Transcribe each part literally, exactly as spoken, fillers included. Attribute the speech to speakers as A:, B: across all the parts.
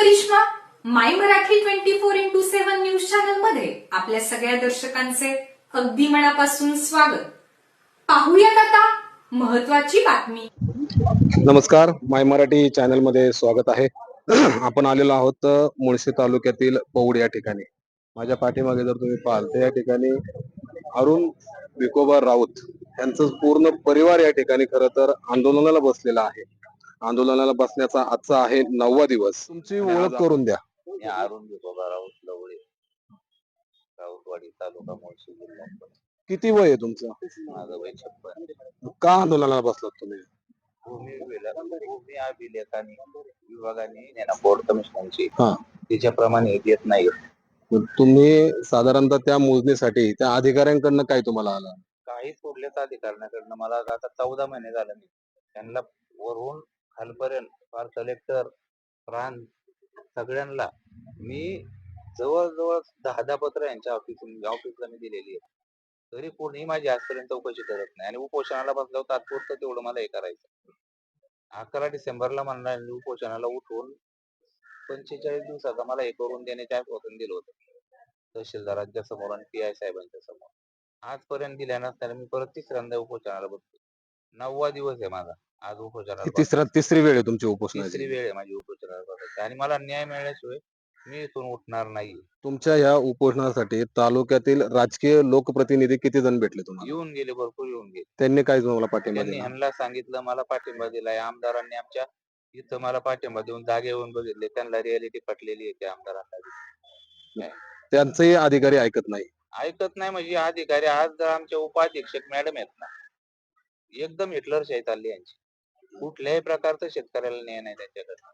A: Karishma. My Marathi twenty four into seven news channel मध्ये आपल्या सगळ्या दर्शकांचे अगदी मनापासून स्वागत. पाहूयात आता महत्वाची बातमी.
B: नमस्कार, माय मराठी चॅनल मध्ये स्वागत आहे. आपण आलेलो आहोत मुळशी तालुक्यातील पौड या ठिकाणी. माझ्या पाठीमागे जर तुम्ही पाहाल तर या ठिकाणी अरुण विकोबा राऊत यांचं पूर्ण परिवार या ठिकाणी खरं तर आंदोलनाला बसलेला आहे. आंदोलनाला बसण्याचा आजचा आहे नववा दिवस. तुमची ओळख करून द्या.
C: अरुण विकोबा राऊत लवळे, राऊतवाडी तालुका मुळशी जिल्हा.
B: किती वय आहे तुमचं?
C: माझं वय छप्पन.
B: का आंदोलनाला बसलात तुम्ही?
C: भूमी विला- भूमी अभिलेख आणि विभागाने बोर्ड कमिशनची
B: हा,
C: त्याच्याप्रमाणे देत नाही.
B: तुम्ही साधारणतः त्या मोजणीसाठी त्या अधिकाऱ्यांकडनं काय तुम्हाला आला?
C: काही सोडल्याच अधिकाऱ्यांकडनं मला आता चौदा महिने झाले. मी त्यांना वरून खालपर्यंत फार कलेक्टर प्रांत सगळ्यांना मी जवळजवळ दहा दहा पत्र यांच्या ऑफिस ऑफिसला मी दिलेली आहे. तरी कोणी माझी आजपर्यंत चौकशी करत नाही आणि उपोषणाला बसल्यावर तात्पुरतं तेवढं मला हे करायचं. अकरा डिसेंबरला मला उपोषणाला उठवून पंचेचाळीस दिवसाचा मला हे करून देण्याचे आश्वासन दिलं होतं तहसीलदारांच्या समोर आणि पी आय साहेबांच्या समोर. आजपर्यंत दिल्या नसताना मी परत तिसऱ्यांदा उपोषणाला बसतो. नववा दिवस आहे माझा आज उपोषणाला.
B: तिसरा तिसरी वेळ आहे तुमची उपोषणाची?
C: तिसरी वेळ आहे माझी उपोषणाला बसायची आणि मला न्याय मिळाल्याशिवाय मी इथून उठणार नाही.
B: तुमच्या या उपोषणासाठी तालुक्यातील राजकीय लोकप्रतिनिधी किती जण भेटले तुम्हाला?
C: येऊन गेले, भरपूर येऊन गेले.
B: त्यांनी काय तुम्हाला पाठिंबा
C: त्यांनी
B: दिला?
C: ह्यांना सांगितलं, मला पाठिंबा दिलाय. आमदारांनी आमच्या इथं मला पाठिंबा देऊन जागे येऊन बघितले. त्यांना रियालिटी पटलेली आहे त्या आमदारांना.
B: त्यांचेही अधिकारी ऐकत नाही.
C: ऐकत नाही म्हणजे अधिकारी आज जर आमचे उपाधीक्षक मॅडम आहेत ना, एकदम हिटलरशाही चालली यांची. कुठल्याही प्रकारचं शेतकऱ्याला न्याय नाही त्यांच्याकडे.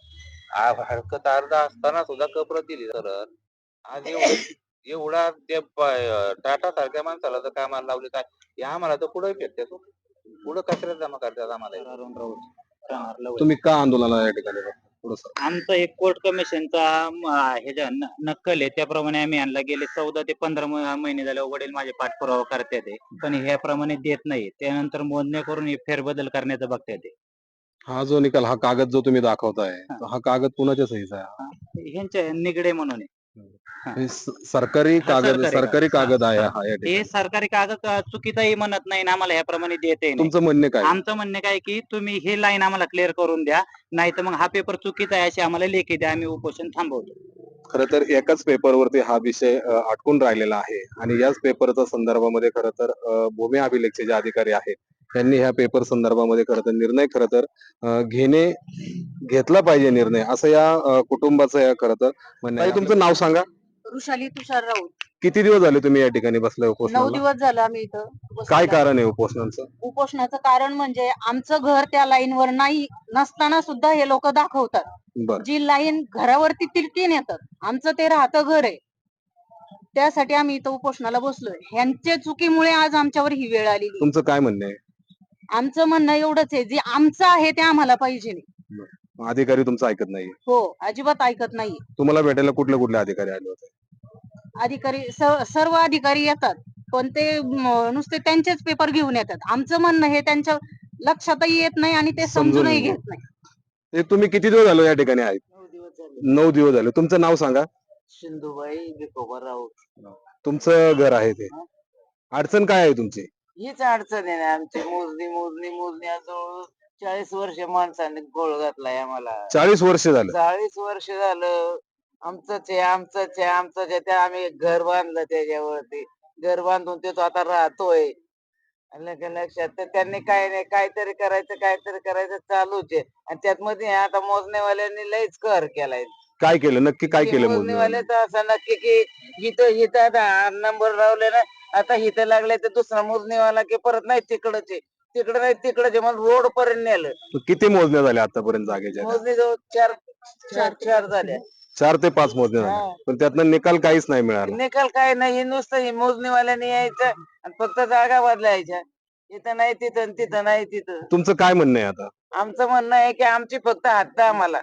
C: हरकत अर्धा असताना सुद्धा कप्रत दिली. तर आज एवढं एवढा ते टाटा सारख्या माणसाला जर कामाला लावले काय हे आम्हाला तर पुढे फेकतात, पुढे कचऱ्यात जमा करतात आम्हाला.
B: तुम्ही का आंदोलनाला या ठिकाणी बसला? थोडं सांगा.
D: आमचं एक कोर्ट कमिशनचा हे जे न- नक्कल आहे त्याप्रमाणे आम्ही आणला. गेले चौदा ते पंधरा म- महिने झाले वडील माझे पाठपुरावा करतात आहे, पण ह्याप्रमाणे देत नाही. त्यानंतर मोजण्या करून हे फेरबदल करण्याचं बघतात आहे.
B: हा जो निकाल, हा कागद जो तुम्ही दाखवताय, तो हा कागद कुणाच्या सहीचा आहे?
D: ह्यांच्या निगडे म्हणून आहे.
B: हे स- सरकारी
D: हा,
B: कागद
D: सरकारी
B: सरकारी
D: कागद.
B: कागद आहे
D: हा,
B: हा या ठिकाणी.
D: हे सरकारी कागद अ, चुकीचाही म्हणत नाही ना, आम्हाला ह्याप्रमाणे देते नाही.
B: तुमचं म्हणणे काय?
D: आमचं म्हणणं काय की तुम्ही हे लाईन आम्हाला क्लिअर करून द्या, नाही तर मग हा पेपर चुकीचा आहे अशी आम्हाला लेखी द्या, आम्ही उपोषण थांबवतो.
B: खरं तर एकाच पेपरवरती हा विषय अ, अटकून राहिलेला आहे आणि याच पेपरच्या संदर्भामध्ये खरं तर अ, भूमी अभिलेखचे जे अधिकारी आहेत त्यांनी ह्या पेपर संदर्भामध्ये खरं तर निर्णय खरं तर अ, घेणे घेतला पाहिजे निर्णय, असं या अ, कुटुंबाचं या खरं तर म्हणणं आहे. तुमचं नाव सांगा.
E: वृषाली तुषार राऊत.
B: किती दिवस झाले तुम्ही या ठिकाणी बसले
E: नऊ
B: उपोषणाला?
E: दिवस झालं आम्ही इथं बसलेलो
B: काय
E: आहे.
B: कारण आहे उपोषणाचं?
E: उपोषणाचं कारण म्हणजे आमचं घर त्या लाईनवर नाही नसताना सुद्धा हे लोक दाखवतात.
B: बरं.
E: जी लाईन घरावरती तिरकी नेतात, आमचं ते राहतं घर आहे. त्यासाठी आम्ही इथं उपोषणाला बसलोय. ह्यांच्या चुकीमुळे आज आमच्यावर ही वेळ आलेली.
B: तुमचं काय म्हणणं आहे?
E: आमचं म्हणणं एवढंच आहे, जे आमचं आहे ते आम्हाला पाहिजे.
B: अधिकारी तुमचं ऐकत नाही?
E: हो, अजिबात ऐकत नाही.
B: तुम्हाला भेटायला कुठले कुठले अधिकारी आले होते?
E: अधिकारी स- सर्व अधिकारी येतात, पण ते म, नुसते त्यांचेच पेपर घेऊन येतात. आमचं म्हणणं हे त्यांच्या लक्षातही येत नाही आणि ते
B: समजून
E: समजूनही
B: नाही.
E: घेत नाही.
B: ते तुम्ही किती दिवस झालो या ठिकाणी आहेत?
E: नऊ दिवस झाले.
B: नऊ दिवस झाले. तुमचं नाव सांगा.
E: सिंधुबाई विकोबा राऊत.
B: तुमचं घर आहे ते. अडचण काय आहे तुमची?
F: हीच अडचण आहे ना आमची. मोजणी मोजणी मोजणी आज जवळ चाळीस वर्ष माणसाने गोळ घातलाय आम्हाला.
B: चाळीस वर्ष झालं.
F: चाळीस वर्ष झालं आमचंच आहे आमचंच आहे आमचंच आहे. त्या आम्ही घर बांधलं त्याच्यावरती. घर बांधून ते तो आता राहतोय. आलं का लक्षात? तर त्यांनी काय नाही काहीतरी करायचं काहीतरी करायचं चालूच आहे. आणि त्यात मध्ये आता मोजणीवाल्यांनी लयच कर केलाय.
B: काय केलं नक्की? काय केलं
F: मोजणीवाले
B: मोजणीवाले?
F: तर असं नक्की की इथं इथं आता नंबर लावले ना, आता इथं लागले तर दुसरा मोजणीवाला की परत नाही तिकडच आहे तिकडं नाही तिकडच आहे. मग रोड पर्यंत नेलं.
B: किती मोजण्या झाल्या आतापर्यंत जागेच्या?
F: मोजणी जवळ चार चार चार झाल्या.
B: चार ते पाच मोजण्या झाल्या,
F: हा.
B: पण त्यातनं निकाल काहीच नाही मिळाला.
F: निकाल काय नाही, नुसतं हे मोजणीवाल्याने यायचं आणि फक्त जागा बदलायच्या. इथं नाही तिथं आणि तिथं नाही तिथं.
B: तुमचं काय म्हणणं आहे आता?
F: आमचं म्हणणं आहे की आमची फक्त हद्द आम्हाला,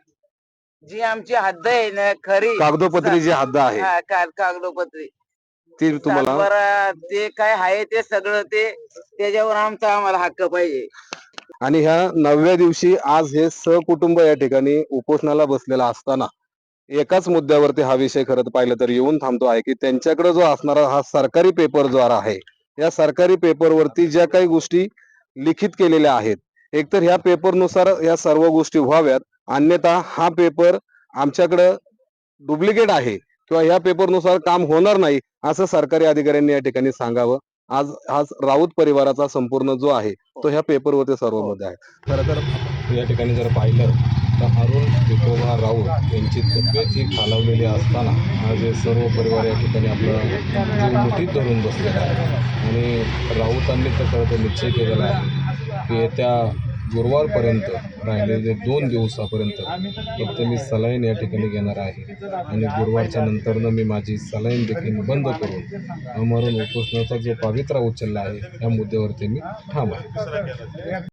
F: जी आमची हद्द आहे ना खरी
B: कागदोपत्री जी हद्द आहे
F: हा, का- कागदोपत्री
B: ती तुम्हाला
F: सातबारा ते काय आहे ते सगळं ते त्याच्यावर आमचा आम्हाला हक्क पाहिजे.
B: आणि ह्या नवव्या दिवशी आज हे सहकुटुंब या ठिकाणी उपोषणाला बसलेला असताना एकाच मुद्द्यावरती हा विषय खरं तर पाहिलं तर येऊन थांबतो आहे की त्यांच्याकडे जो असणारा हा सरकारी पेपर जो आहे, या सरकारी पेपरवरती ज्या काही गोष्टी लिखित केलेल्या आहेत, एकतर ह्या पेपरनुसार या सर्व गोष्टी व्हाव्यात, अन्यथा हा पेपर आमच्याकडं डुप्लिकेट आहे किंवा ह्या पेपरनुसार काम होणार नाही असं सरकारी अधिकाऱ्यांनी या ठिकाणी सांगावं. आज आज राऊत परिवाराचा संपूर्ण जो आहे तो ह्या पेपरवरती सर्व मध्ये आहे. खरं तर या ठिकाणी जर पाहिलं तर अरुण विठोबा राऊत यांची तब्येत ही खालावलेली असताना आज हे सर्व परिवार या ठिकाणी आपलं जीव मुठीत धरून बसलेला आहे आणि राऊतांनी तर खरं तर निश्चय केलेला आहे की येत्या गुरुवारपर्यंत राहिलेले दोन दिवसापर्यंत फक्त मी सलाईन या ठिकाणी घेणार आहे आणि गुरुवारच्या नंतरनं मी माझी सलाईन देखील बंद करून अमरण उपोषणाचा जो पवित्रा उचलला आहे त्या मुद्द्यावरती मी ठाम आहे.